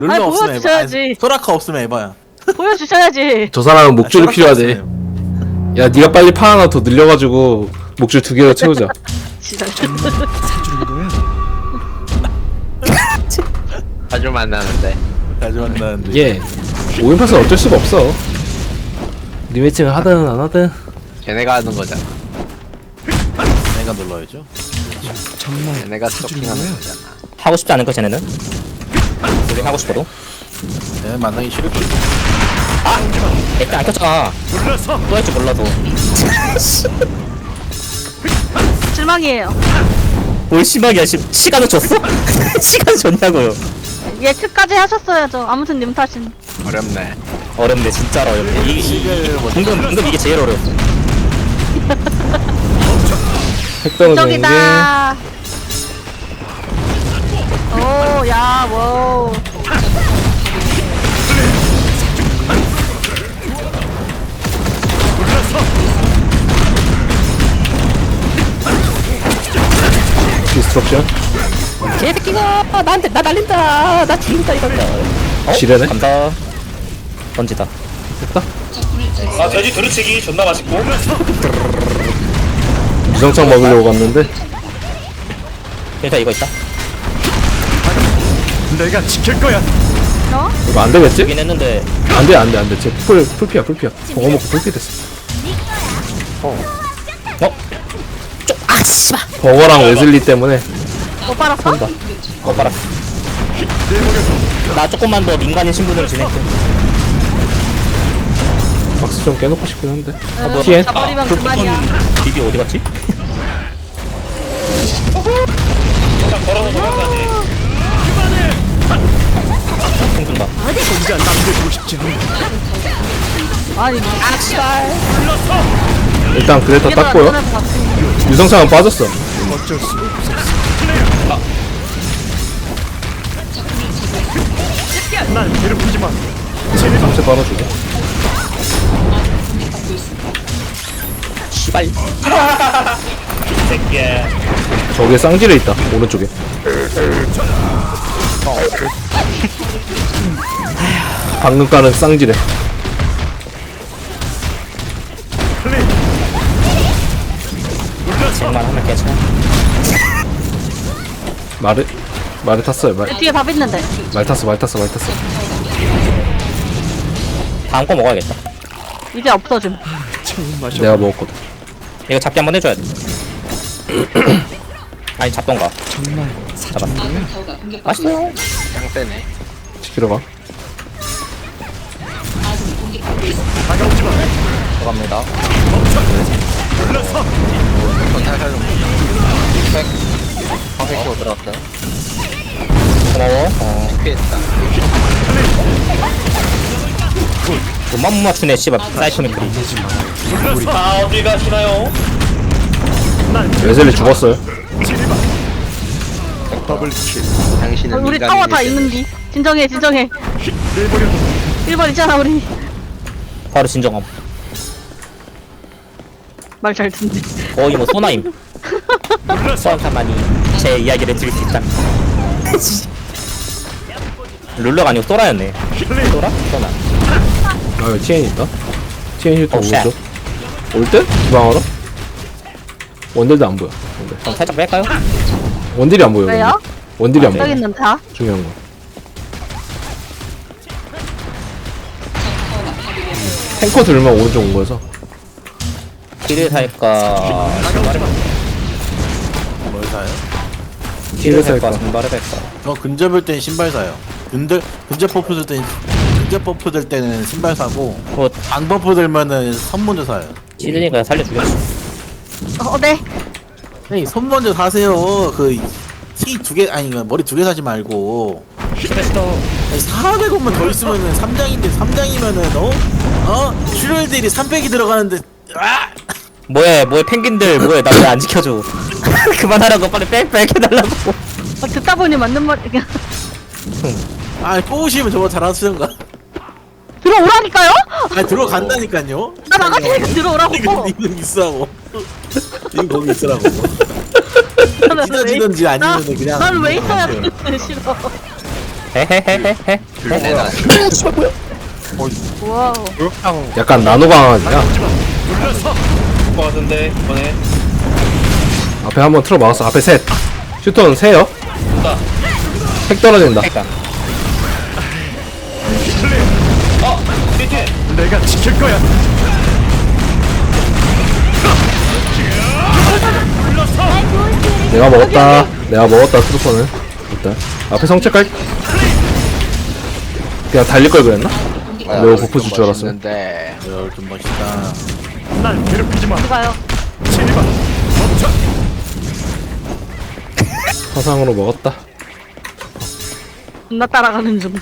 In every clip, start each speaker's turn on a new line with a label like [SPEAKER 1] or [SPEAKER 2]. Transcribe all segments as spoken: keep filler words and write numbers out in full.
[SPEAKER 1] 룰러
[SPEAKER 2] 아니,
[SPEAKER 1] 없으면 에바.
[SPEAKER 2] 보여주셔야지.
[SPEAKER 1] 아니, 소라카 없으면 에바야.
[SPEAKER 2] 보여주셔야지.
[SPEAKER 3] 저 사람은 목줄이
[SPEAKER 1] 소라카
[SPEAKER 3] 필요하대.
[SPEAKER 1] 없으면
[SPEAKER 3] 야, 네가 빨리 파 하나 더 늘려가지고 목줄 두 개로 채우자.
[SPEAKER 2] 지랄.
[SPEAKER 4] 자주 만나는데.
[SPEAKER 1] 자주 만나는데.
[SPEAKER 3] 예. 오인 파스는 어쩔 수가 없어. 리매칭을 하든 안 하든.
[SPEAKER 4] 걔네가 하는 거잖아.
[SPEAKER 1] 내가 눌러야죠.
[SPEAKER 4] 걔네가 스토킹하는 거잖아.
[SPEAKER 5] 하고 싶지 않은 거 쟤네는? 우리 하고 싶어도?
[SPEAKER 1] 내가 만나기 싫을 거야.
[SPEAKER 5] 일단 안 켰잖아. 또 할 줄 몰라도.
[SPEAKER 2] 실망이에요.
[SPEAKER 5] 뭘 심하게 시, 시간을 줬어? 시간을 줬냐고요.
[SPEAKER 2] 얘 끝까지 하셨어야죠. 아무튼 님 탓인.
[SPEAKER 4] 어렵네.
[SPEAKER 5] 어렵네, 진짜로 어렵네. 이, 이, 이, 방금, 방금 이게 제일 어려웠어.
[SPEAKER 3] 핵 떨어지는 게
[SPEAKER 2] 저기다. 오, 야, 워.
[SPEAKER 3] 디스트럭션.
[SPEAKER 5] 개새끼가 나한테 나 날린다. 나 죽인다 이거다. 어?
[SPEAKER 3] 지뢰네?
[SPEAKER 5] 간다. 던지다.
[SPEAKER 3] 됐다.
[SPEAKER 6] 아 돼지 두루치기 존나 맛있고.
[SPEAKER 3] 유성창 먹으려고 갔는데
[SPEAKER 5] 일단 이거 있다.
[SPEAKER 6] 내가 지킬 거야.
[SPEAKER 2] 너?
[SPEAKER 3] 이거 안 되겠지?
[SPEAKER 5] 죽긴 했는데.
[SPEAKER 3] 안돼 안돼 안돼. 쟤풀 풀피야 풀피야. 버거 먹고 풀피 됐어.
[SPEAKER 5] 어? 좀, 아, 씨발.
[SPEAKER 3] 버거랑 웨슬리 때문에
[SPEAKER 2] 못 빨았어?
[SPEAKER 5] 간다. 어, 봐라. 나 조금만 더 민간인 신분으로 지낼게.
[SPEAKER 3] 박스 좀 깨놓고 싶긴 한데.
[SPEAKER 2] 응,
[SPEAKER 3] 피해?
[SPEAKER 2] 가버리면 그만이야.
[SPEAKER 5] 비비 어디 갔지?
[SPEAKER 6] 일단 걸어서 도망가지.
[SPEAKER 5] 퉁퉁다.
[SPEAKER 6] 혼자 남겨두고 싶지 않아.
[SPEAKER 2] 아니, 아, 씨발.
[SPEAKER 3] 일단 그래터
[SPEAKER 2] 얘도
[SPEAKER 3] 땄고요.
[SPEAKER 2] 안 떠날 것 같아.
[SPEAKER 3] 유성창은 빠졌어.
[SPEAKER 6] 어쩔 수 없었어. 날 괴롭히지 마.
[SPEAKER 3] 상체 빨아주고.
[SPEAKER 5] 씨발.
[SPEAKER 6] 새끼야.
[SPEAKER 3] 저기에 쌍지레 있다. 오른쪽에. 방금 까는 쌍지레.
[SPEAKER 5] 쟤만 하면 괜찮아.
[SPEAKER 3] 말을 말을 탔어요. 말,
[SPEAKER 2] 뒤에 밥 있는데.
[SPEAKER 3] 말 탔어 말 탔어 말 탔어.
[SPEAKER 5] 다음 거 먹어야겠다.
[SPEAKER 2] 이제 없어짐.
[SPEAKER 6] 처음 마셔.
[SPEAKER 3] 내가 먹었거든.
[SPEAKER 5] 이거 잡기 한번 해줘야 돼. 아니 잡던가.
[SPEAKER 6] 정말 사준 거야?
[SPEAKER 5] 맛있어요.
[SPEAKER 4] 짱세네.
[SPEAKER 3] 지키러 가.
[SPEAKER 6] 다가오지 마.
[SPEAKER 5] 들어갑니다.
[SPEAKER 6] 불러서.
[SPEAKER 4] 건 살살 좀. 백. 퍼펙트로 들어갔어요.
[SPEAKER 5] 고마워. 어.
[SPEAKER 4] 피했다.
[SPEAKER 5] 돈만 못 맞추네 씨발. 사이코미크리.
[SPEAKER 6] 불러서. 아 어디 가시나요?
[SPEAKER 3] 웨슬리 죽었어요.
[SPEAKER 6] 지리마. 더블킬.
[SPEAKER 4] 당신은
[SPEAKER 2] 우리
[SPEAKER 4] 민간인일
[SPEAKER 2] 타워 다
[SPEAKER 4] 때.
[SPEAKER 2] 있는디. 진정해, 진정해.
[SPEAKER 6] 내버려.
[SPEAKER 2] 일 번 있잖아, 우리.
[SPEAKER 5] 바로 진정함.
[SPEAKER 2] 말 잘 듣네.
[SPEAKER 5] 거의 뭐 소나임.
[SPEAKER 6] 불러서.
[SPEAKER 5] 소환사만이 제 이야기를 들을 수 있다. 룰러가 아니고 소라였네. 소라? 소나.
[SPEAKER 3] 아 여기 티엔 있다. 티엔 힐터
[SPEAKER 5] 오, 쉣.
[SPEAKER 3] 오른쪽. 올 때? 주방하러? 원딜도 안 보여. 원딜.
[SPEAKER 5] 그럼 살짝 뺄까요?
[SPEAKER 3] 원딜이 안 보여.
[SPEAKER 2] 왜요?
[SPEAKER 3] 원딜. 원딜이 안
[SPEAKER 2] 여기
[SPEAKER 3] 보여.
[SPEAKER 2] 있는데, 다?
[SPEAKER 3] 중요한 거. 탱커 들면 오른쪽 온 거여서.
[SPEAKER 5] 딜을 살까?
[SPEAKER 1] 뭘 사요?
[SPEAKER 5] 딜을
[SPEAKER 3] 살
[SPEAKER 5] 살까?
[SPEAKER 3] 거.
[SPEAKER 5] 증발을 살까?
[SPEAKER 1] 저 근접일 땐 신발 사요. 근데 근접 버프 들 땐, 근접 버프 들 때는 신발 사고,
[SPEAKER 5] 뭐
[SPEAKER 1] 안 버프 들면은 선 먼저 사요.
[SPEAKER 5] 찌르니까 살려주겠어.
[SPEAKER 2] 어, 네.
[SPEAKER 1] 아니, 선 먼저 사세요. 그, 티 두 개, 아니, 그 머리 두 개 사지 말고.
[SPEAKER 5] 싫어 싫어.
[SPEAKER 1] 아니, 사백 원만 더 있으면은 삼 장인데, 삼 장이면은, 어? 어? 출혈들이 삼백이 들어가는데, 아!
[SPEAKER 5] 뭐해 뭐해 펭귄들 뭐해 나 왜 안 지켜줘. 그만하라고 빨리 빽빽 해달라고.
[SPEAKER 2] 어, 듣다 보니 맞는 말, 그냥.
[SPEAKER 1] 아, 꼬우시면 저거 잘하시던가.
[SPEAKER 2] 들어오라니까요?
[SPEAKER 1] 아, 들어간다니까요?
[SPEAKER 2] 나 나가시니까 들어오라고.
[SPEAKER 1] 이거, 이거 있으라고. 이거 거기 있으라고.
[SPEAKER 2] 나는 왜-
[SPEAKER 1] 찢어지던지 아니면은
[SPEAKER 2] 나-
[SPEAKER 1] 그냥
[SPEAKER 2] 나는 왜 있어야
[SPEAKER 1] 그냥
[SPEAKER 2] 돼? 싫어.
[SPEAKER 5] 헤헤헤헤헤.
[SPEAKER 4] 내가
[SPEAKER 2] 와우.
[SPEAKER 3] 약간 나노 강아지야.
[SPEAKER 6] 거 같은데 이번에
[SPEAKER 3] 앞에 한번 틀어 막았어. 앞에 셋. 슈터는 세요.
[SPEAKER 6] 나
[SPEAKER 3] 핵 떨어진다.
[SPEAKER 6] 어! 뒤에 내가 지킬 거야
[SPEAKER 3] 내가 먹었다. 내가 먹었다. 트루퍼는 일단 앞에 성체 깔. 그냥 달릴 걸 그랬나? 매우 버프 줄 줄 알았어.
[SPEAKER 4] 근데
[SPEAKER 1] 야, 좀 멋있다.
[SPEAKER 6] 날 괴롭히지 마
[SPEAKER 2] 가요.
[SPEAKER 6] 진입아 멈춰
[SPEAKER 3] 화상으로 먹었다.
[SPEAKER 2] 존나 따라가는 중.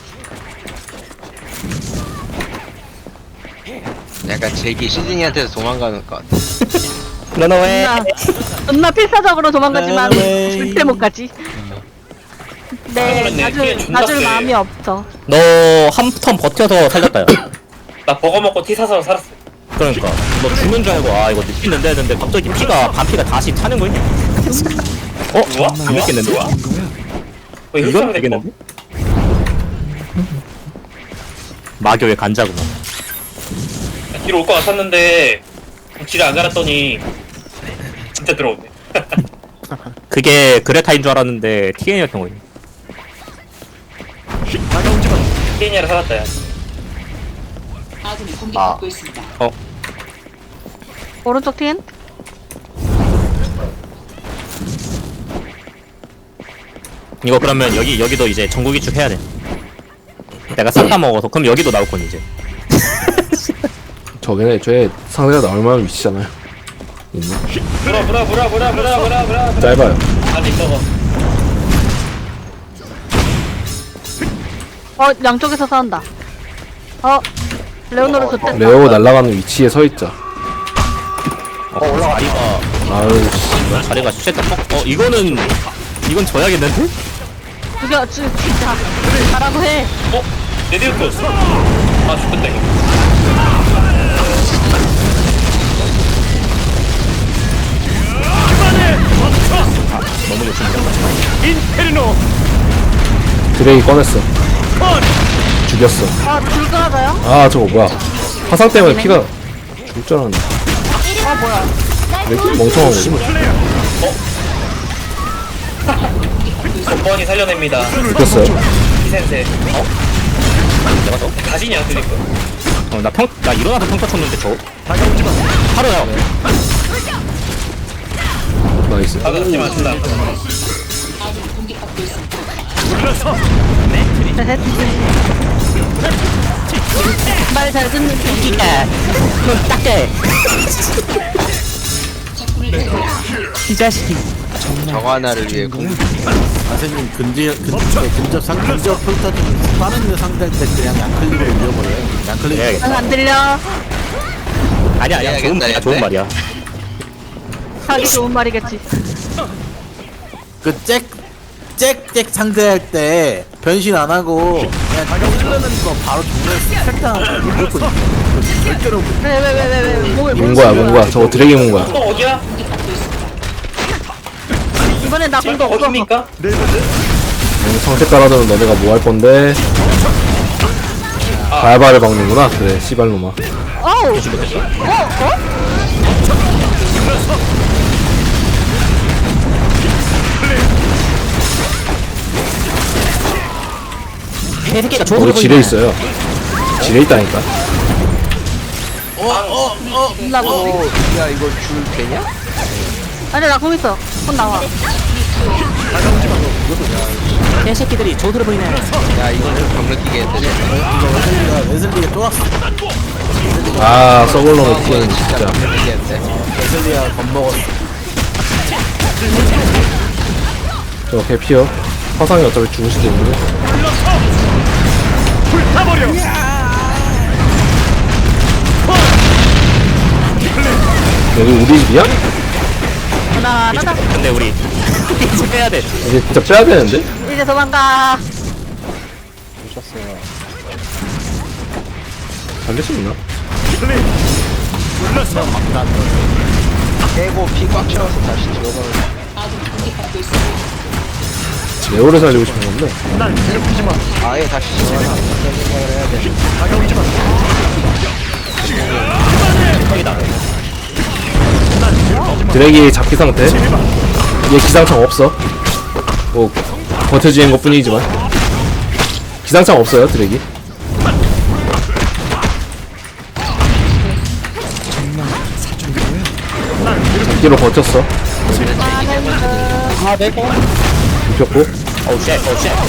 [SPEAKER 4] 약간 제기 시즈니한테서 도망가는 것 같아.
[SPEAKER 5] 런어웨이.
[SPEAKER 2] 존나, 존나 필사적으로 도망가지만
[SPEAKER 1] 네.
[SPEAKER 2] 절대 못 가지. 네,
[SPEAKER 6] 그러네.
[SPEAKER 2] 가줄,
[SPEAKER 6] 뒤에 존나
[SPEAKER 2] 가줄
[SPEAKER 6] 세.
[SPEAKER 2] 마음이 없어.
[SPEAKER 5] 너 한 턴 버텨서 살렸다 야.
[SPEAKER 6] 나 버거 먹고 티 사서 살았어
[SPEAKER 5] 그러니까 너 죽는 줄 알고 아 이거 느끼는데 했는데 갑자기 피가 반피가 다시 타는 거 있냐? 어?
[SPEAKER 6] 우와?
[SPEAKER 5] 안 믿겠는데?
[SPEAKER 6] 왜
[SPEAKER 5] 이건
[SPEAKER 6] 흡사가 됐고
[SPEAKER 5] 되겠는데? 마교의 간자구나.
[SPEAKER 6] 뒤로 올 것 같았는데 지를 안 갈았더니 진짜 들어오네
[SPEAKER 5] 그게 그레타인 줄 알았는데 티엔이었던 거니.
[SPEAKER 6] 다가오지 마 케이니아를 살았다 야
[SPEAKER 4] 아
[SPEAKER 5] 어?
[SPEAKER 2] 오른쪽 팀?
[SPEAKER 5] 이거 그러면 여기 여기도 이제 전국이 쭉 해야 돼. 내가 싹 다 먹어서 그럼 여기도 나올 건 이제.
[SPEAKER 3] 저기는 애초에 상대가 나올 만한 위치잖아요. 있네.
[SPEAKER 6] 브라 브라 브라 브라 브라 브라 브라
[SPEAKER 3] 짧아요.
[SPEAKER 6] 아니 먹어
[SPEAKER 2] 어, 양쪽에서 싸운다. 어, 레오노르 좋댔다.
[SPEAKER 3] 레오 날아가는 위치에 서 있자.
[SPEAKER 5] 어 올라가. 자리가
[SPEAKER 3] 아유 씨.
[SPEAKER 5] 자리가 쉣다. 어, 어 이거는 이건 져야겠는데?
[SPEAKER 2] 죽여, 죽, 진짜. 가라고 해.
[SPEAKER 6] 어? 레디오토스 아 죽겠다 이거
[SPEAKER 5] 너무 욕심이다.
[SPEAKER 6] 인페르노
[SPEAKER 3] 드레이 꺼냈어. 죽였어.
[SPEAKER 2] 아, 불 끊어져요?
[SPEAKER 3] 아 저거 뭐야? 화상 때문에 피가 죽을 줄 알았네.
[SPEAKER 2] 아, 뭐야.
[SPEAKER 3] 왜 이렇게 멍청한 거지?
[SPEAKER 6] 번번이 살려냅니다
[SPEAKER 3] 죽였어요.
[SPEAKER 6] 이센세 어?
[SPEAKER 5] 내가 또?
[SPEAKER 6] 가지냐 드리프
[SPEAKER 5] 어, 나 평, 나 일어나서 평타 쳤는데 저
[SPEAKER 6] 다가오지 마
[SPEAKER 5] 하루야.
[SPEAKER 3] 나이스.
[SPEAKER 6] 다가오지 마 준다 불러서
[SPEAKER 2] 셋. 말잘 듣는 팀.
[SPEAKER 5] 넌 딱해. 이 자식이.
[SPEAKER 4] 저거 하나를 위해 공
[SPEAKER 1] 선생님 근접 근접 근접 상 근접 평타 좀 빠른 데 상대할 때 그냥 양클릭을 밀어버려요. 양클릭.
[SPEAKER 5] 해야겠다.
[SPEAKER 2] 난 안 들려.
[SPEAKER 5] 아니야 아니야 좋은
[SPEAKER 4] 해야겠다,
[SPEAKER 5] 말이야 좋은
[SPEAKER 4] 했네.
[SPEAKER 5] 말이야.
[SPEAKER 2] 하기 좋은 말이겠지.
[SPEAKER 1] 그잭잭잭 상대할 때 변신 안 하고 그냥 찔르는 거 바로 정면에서 살짝 무조건 절대로 못-
[SPEAKER 2] 왜, 왜, 왜, 왜, 왜. 몸을
[SPEAKER 3] 문 거야 문 거야. 저거 드레이 문 거야.
[SPEAKER 6] 또 어디야?
[SPEAKER 2] 이번엔 나 공도
[SPEAKER 6] 또
[SPEAKER 2] 없어.
[SPEAKER 6] 어디입니까?
[SPEAKER 3] 성체 깔아두면 너네가 뭐 할 건데? 발발을 박는구나. 그래 씨발놈아.
[SPEAKER 2] 어우. 어, 어?
[SPEAKER 5] 개새끼가
[SPEAKER 3] 거기
[SPEAKER 5] 좋은
[SPEAKER 3] 지뢰 있어요. 지뢰 있다니까.
[SPEAKER 2] 나 공.
[SPEAKER 4] 어, 야 이거 줄 되냐?
[SPEAKER 2] 아니, 나 공 있어. 공 나와.
[SPEAKER 5] 개새끼들이 조드려 보이네.
[SPEAKER 4] 야 이거는 병 느끼게 했더니
[SPEAKER 1] 이거 웨슬리가 웨슬리가 쫄았어.
[SPEAKER 3] 아 썩을 놈의
[SPEAKER 4] 이거는
[SPEAKER 3] 티는
[SPEAKER 4] 진짜
[SPEAKER 3] 진짜.
[SPEAKER 4] 병 느끼게 했대
[SPEAKER 1] 웨슬리가 겁먹었어.
[SPEAKER 3] 저 개피어. 화상이 어차피 죽을 수도 있는데.
[SPEAKER 6] 불타버려
[SPEAKER 3] 여기 우리 집이야?
[SPEAKER 2] 하나, 하나,
[SPEAKER 5] 근데 우리 이제 빼야 돼.
[SPEAKER 3] 이제 진짜 빼야 되는데?
[SPEAKER 2] 이제 도망가.
[SPEAKER 3] 살릴 수 있나?
[SPEAKER 6] 불러서
[SPEAKER 4] 깨고 피 꽉 채워서 다시 들어가는
[SPEAKER 3] 레오를 살리고 싶은 건데.
[SPEAKER 4] 아예 다시 정하나 어떤 생각을 해야 돼.
[SPEAKER 3] 드랙이 잡기 상태. 얘 기상창 없어. 뭐 버텨주는 것 뿐이지만 기상창 없어요 드랙이. 잡기로 버텼어. 눕혔고.
[SPEAKER 5] 어우 쉣 어우 쉣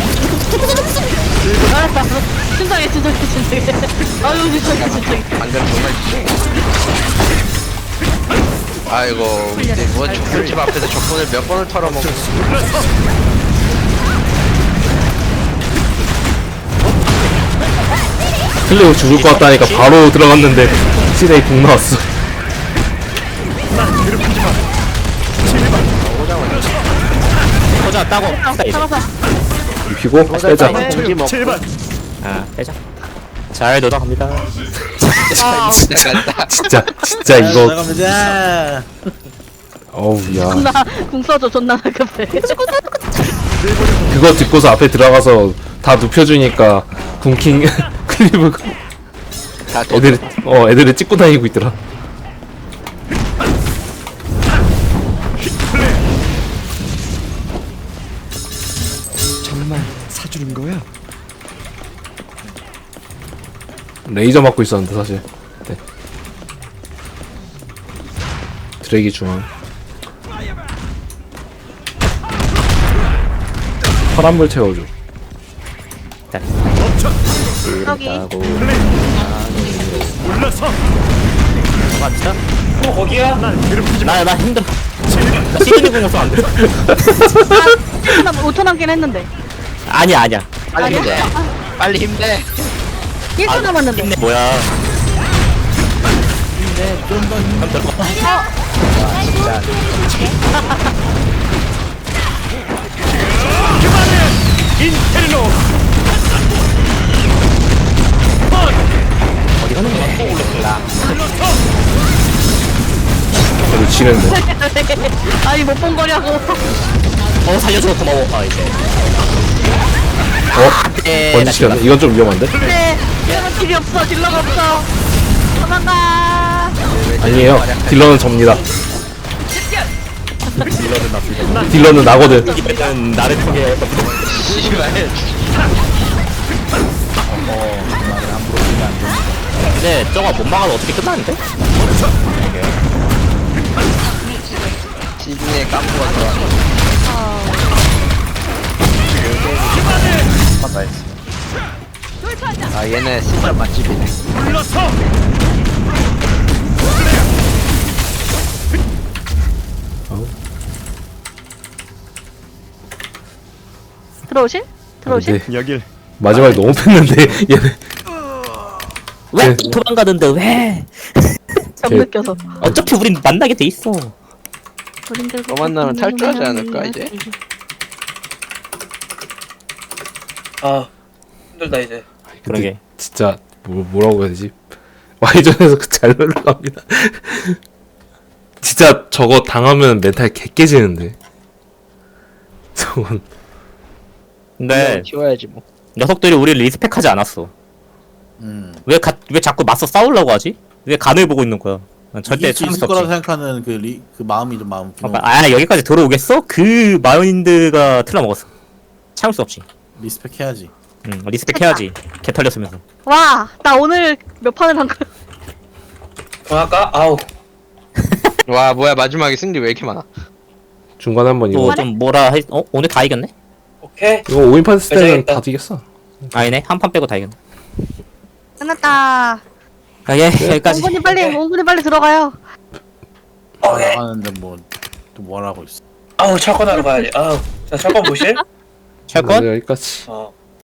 [SPEAKER 2] 알았어. 진정해, 진정해, 진정해. 아유, 진정해, 진정해.
[SPEAKER 4] 방금 정말 아이고 이제 뭐 족술집 앞에서 족분을 몇 번을 털어먹고
[SPEAKER 3] 클리오 죽을 것 같다니까 바로 들어갔는데 시대에 궁 나왔어.
[SPEAKER 5] 호자 따고 다 이제
[SPEAKER 2] 잡아서.
[SPEAKER 3] 눕히고 빼자.
[SPEAKER 4] 공지 먹고
[SPEAKER 5] 아 빼자 잘 돌아갑니다
[SPEAKER 2] 와,
[SPEAKER 4] 나간다.
[SPEAKER 3] 진짜 진짜 이거
[SPEAKER 1] 나갑니다.
[SPEAKER 3] 어우 야
[SPEAKER 2] 존나, 궁 써줘, 존나 급해.
[SPEAKER 3] 그거 듣고서 앞에 들어가서 다 눕혀주니까 군킹 클리브
[SPEAKER 4] 다
[SPEAKER 3] 애들 어 애들을 찍고 다니고 있더라.
[SPEAKER 7] 정말 사주는 거야?
[SPEAKER 3] 레이저 맞고 있었는데 사실. 네. 드랙이 중앙. 파란불 채워줘.
[SPEAKER 2] 여기.
[SPEAKER 5] 따고
[SPEAKER 6] 어 거기야?
[SPEAKER 5] 나나 힘들어 나 시즌이 공여서 안돼
[SPEAKER 2] 오 초 남긴 했는데.
[SPEAKER 5] 아니야 아니야
[SPEAKER 4] 빨리 힘내. 빨리 힘내.
[SPEAKER 2] 일 초 남았는데.
[SPEAKER 5] 힘내 뭐야
[SPEAKER 3] 그래도 지는데.
[SPEAKER 2] 아니, 못 본 거냐고.
[SPEAKER 5] 어 살려줘 고마워 아 이제
[SPEAKER 3] 어?
[SPEAKER 5] 네,
[SPEAKER 3] 번지 시켰네. 이건 좀 위험한데?
[SPEAKER 2] 네, 이런 길이 없어, 딜러가 없어. 도망가.
[SPEAKER 3] 아니에요. 딜러는 접니다. 딜러는 나거든.
[SPEAKER 5] 이번엔 나를 통해
[SPEAKER 4] 씨발.
[SPEAKER 5] 근데 저거 못 막아도 어떻게 끝나는데?
[SPEAKER 4] 시중에 깜부가 들어와. 아 얘네 진짜 맛집이네.
[SPEAKER 2] 들어오실? 들어오실?
[SPEAKER 3] 근데
[SPEAKER 7] 여길
[SPEAKER 3] 마지막에 너무 뺐는데 얘네.
[SPEAKER 5] 왜
[SPEAKER 3] 네.
[SPEAKER 5] 도망가는데 왜?
[SPEAKER 2] 정
[SPEAKER 3] 제-
[SPEAKER 2] 느껴서.
[SPEAKER 5] 어차피 우린 만나게 돼 있어.
[SPEAKER 2] 어린들
[SPEAKER 4] 너 만나면 탈주하지 않을까, 이제?
[SPEAKER 6] 아 힘들다 이제.
[SPEAKER 5] 그러게.
[SPEAKER 3] 진짜 뭐, 뭐라고 해야 되지? 와이전에서 잘 흘러갑니다. 진짜 저거 당하면 멘탈 개 깨지는데. 저건
[SPEAKER 5] 근데
[SPEAKER 4] 키워야지 뭐.
[SPEAKER 5] 녀석들이 우리를 리스펙하지 않았어.
[SPEAKER 1] 음.
[SPEAKER 5] 왜, 가, 왜 자꾸 맞서 싸우려고 하지? 왜 간을 보고 있는 거야? 난 절대
[SPEAKER 1] 이길 수
[SPEAKER 5] 참을
[SPEAKER 1] 있을
[SPEAKER 5] 수
[SPEAKER 1] 거라고
[SPEAKER 5] 없지.
[SPEAKER 1] 생각하는 그, 리, 그 마음이 좀 마음 좀
[SPEAKER 5] 그러니까, 아 여기까지 들어오겠어? 그 마인드가 틀어먹었어. 참을 수 없지.
[SPEAKER 1] 리스펙 해야지.
[SPEAKER 5] 응, 리스펙 해야지. 개 털렸으면서.
[SPEAKER 2] 와, 나 오늘 몇 판을 한 거야?
[SPEAKER 6] 그만할까? 아우.
[SPEAKER 4] 와 뭐야 마지막에 승리 왜 이렇게 많아?
[SPEAKER 3] 중간에 한번 이거
[SPEAKER 5] 또 좀 뭐라 해? 어? 오늘 다 이겼네?
[SPEAKER 6] 오케이.
[SPEAKER 3] 이거 오인판 했을 때는
[SPEAKER 6] 괜찮겠다.
[SPEAKER 3] 다 이겼어.
[SPEAKER 5] 아니네. 한 판 빼고 다 이겼네.
[SPEAKER 2] 끝났다.
[SPEAKER 5] 아, 예, 여기까지.
[SPEAKER 2] 옹군이 빨리, 옹군이 빨리 들어가요.
[SPEAKER 6] 오케이.
[SPEAKER 1] 나가는데 뭐또 뭐라고 있어.
[SPEAKER 6] 아우 철권하러 가야지. 아우. 자 철권 보실?
[SPEAKER 5] 철권?
[SPEAKER 3] 네, 여기까지.
[SPEAKER 6] 어.